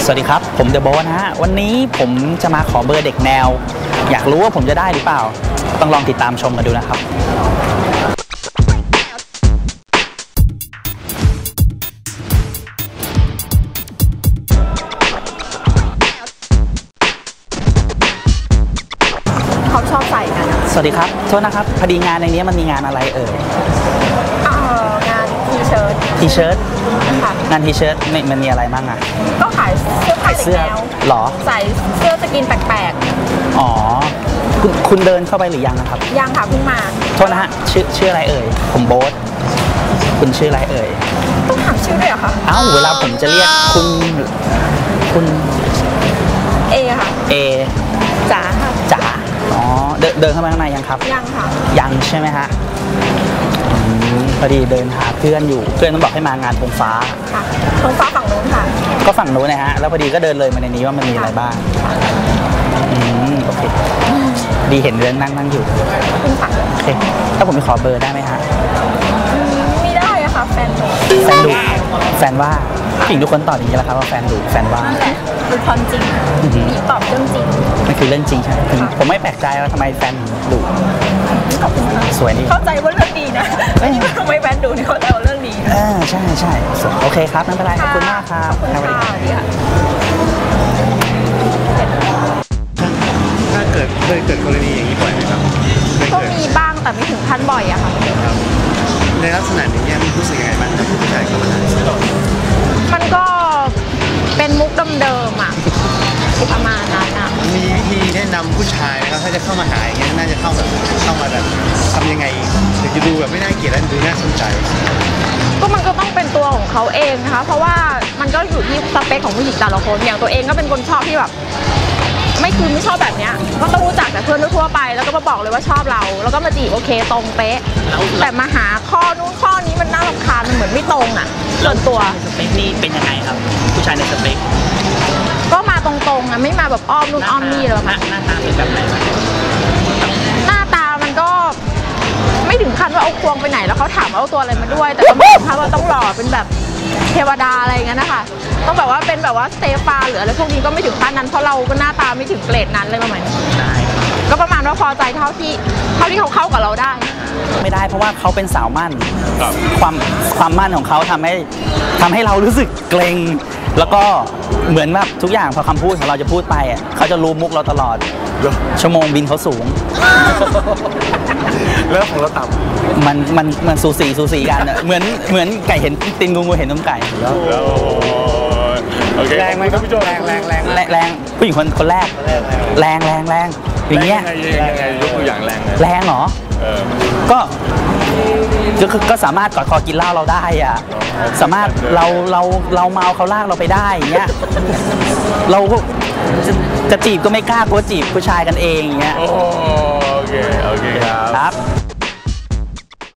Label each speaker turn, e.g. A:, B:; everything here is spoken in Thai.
A: สวัสดีครับผมเดอะโบ๊ทนะฮะวันนี้ผมจะมาขอเบอร์เด็กแนวอยากรู้ว่าผมจะได้หรือเปล่าต้องลองติดตามชมกันดูนะครับ
B: เขาชอบใส่กัน
A: สวัสดีครับโทษนะครับพอดีงานในนี้มันมีงานอะไรง
B: านทีเชิ้ตค่ะ
A: งานทีเชิ้ตมันมีอะไรบ้างอ่ะ
B: ก็ขายเสื้อแนว
A: หรอ
B: ใส่เสื้อสกินแปลก
A: ๆอ๋อคุณเดินเข้าไปหรือยังนะครับ
B: ยังค่ะเพิ่งมา
A: โทษนะฮะชื่ออะไรเอ่ยผมโบ๊ทคุณชื่ออะไรเอ่ย
B: ต้องถามชื่อด้วยเหรอคะ
A: เอ้าเวลาผมจะเรียกคุณ
B: เอค่ะ
A: เอ
B: จ๋าค่ะ
A: จ๋าอ๋อเดินเข้ามาข้างในยังครับ
B: ยังค่ะ
A: ยังใช่ไหมฮะพอดีเดินหาเพื่อนอยู่เพื่อนต้องบอกให้มางานธงฟ้า
B: ค่ะธงฟ้าฝั่งโน้นค่ะ
A: ก็ฝั่งโน้นนะฮะแล้วพอดีก็เดินเลยมาในนี้ว่ามันมีอะไรบ้างโอเคดีเห็นเดินนั่งอยู่โอเคถ้าผมไปขอเบอร์ได้ไหมฮะ
B: ไม่ได้อะค่ะแฟนดุ
A: แฟนว่าผู้หญิงทุกคนตอบอย่างนี้แหละครับว่าแฟนดุแฟนว่า
B: นั่นแหละคือความจริงตอบเรื่องจริง
A: มันคือเรื่องจริงใช่ไหมผมไม่แปลกใจว่าทำไมแฟนดุสวยนี่
B: เข้าใจว่าเรื่องดีนะทำไมแฟนดุนี่เข้าใจว่าเรื่องดี
A: ใช่โอเคครับไม่เป็นไรขอบคุณมากครับ
C: ถ้าเคยเกิดกรณีอย่างนี้บ่อยไหมครับ
B: ก็มีบ้างแต่ไม่ถึงขั้นบ่อยอะค่ะ
C: ในลักษณะอย่างนี้มันรู้สึกยังไงบ้างถ้าผู้ชายเข้ามา
B: มันก็เป็นมุกเดิมๆอะประมาณนั้นอะ
C: มีวิธีแนะนำผู้ชายนะครับถ้าจะเข้ามาหาอย่างนี้น่าจะเข้ามาแบบทำยังไงถึงจะดูแบบไม่น่าเกลียดและดูน่าสนใจ
B: ก็มันก็ต้องเป็นตัวของเขาเองนะคะเพราะว่ามันก็อยู่ที่สเปคของผู้หญิงแต่ละคนอย่างตัวเองก็เป็นคนชอบที่แบบไม่ชอบแบบเนี้ยก็ต้องรู้จักแต่เพื่อนทั่วไปแล้วก็มาบอกเลยว่าชอบเราแล้วก็มาจีบโอเคตรงเป๊ะแต่มาหาข้อนู้นข้อนี้มันน่ารำคาญมันเหมือนไม่ตรงอ่ะส่วนตัว
A: สเปคนี่เป็นยังไงครับผู้ชายในสเปค
B: ก็มาตรงๆอ่ะไม่มาแบบอ้อมนู่นอ้อมนี่เลยค่ะ
A: หน้าตาเป็นแบบไหน
B: หน้าตามันก็ไม่ถึงขั้นว่าเอาควงไปไหนแล้วเขาถามว่าเอาตัวอะไรมาด้วยแต่ก็ไม่ถึงขั้นว่าต้องหล่อเป็นแบบเทวดาอะไรอย่างเงี้ยนะคะต้องแบบว่าเป็นแบบว่าสเตฟานหรืออะไรพวกนี้ก็ไม่ถึงขั้นนั้นเพราะเราก็หน้าตาไม่ถึงเกรดนั้นเลยประมาณนี้ก็ประมาณว่าพอใจเท่าที่เขาเข้ากับเราได้
A: ไม่ได้เพราะว่าเขาเป็นสาวมั่นความมั่นของเขาทำให้เรารู้สึกเกรงแล้วก็เหมือนแบบทุกอย่างพอคำพูดของเราจะพูดไปเขาจะรู้มุกเราตลอดชั่วโมงบินเขาสูง
C: แล้วของเราต่
A: ำมันสูสีกันเหมือนไก่เห็นตีนงูเห็นนมไก่
C: แรงไหมครับพี่โจแรง
A: ผู้หญิงคนแรกแรงอย่างเงี้ย
C: ยกตัวอย่าง
A: แรงเหรอก็สามารถกอดคอกินเหล้าเราได้สามารถเราเมาเขาลากเราไปได้อย่างเงี้ยเราจะจีบก็ไม่กล้ากลัวจีบผู้ชายกันเองอย่างเงี้ย
C: โอเคครับ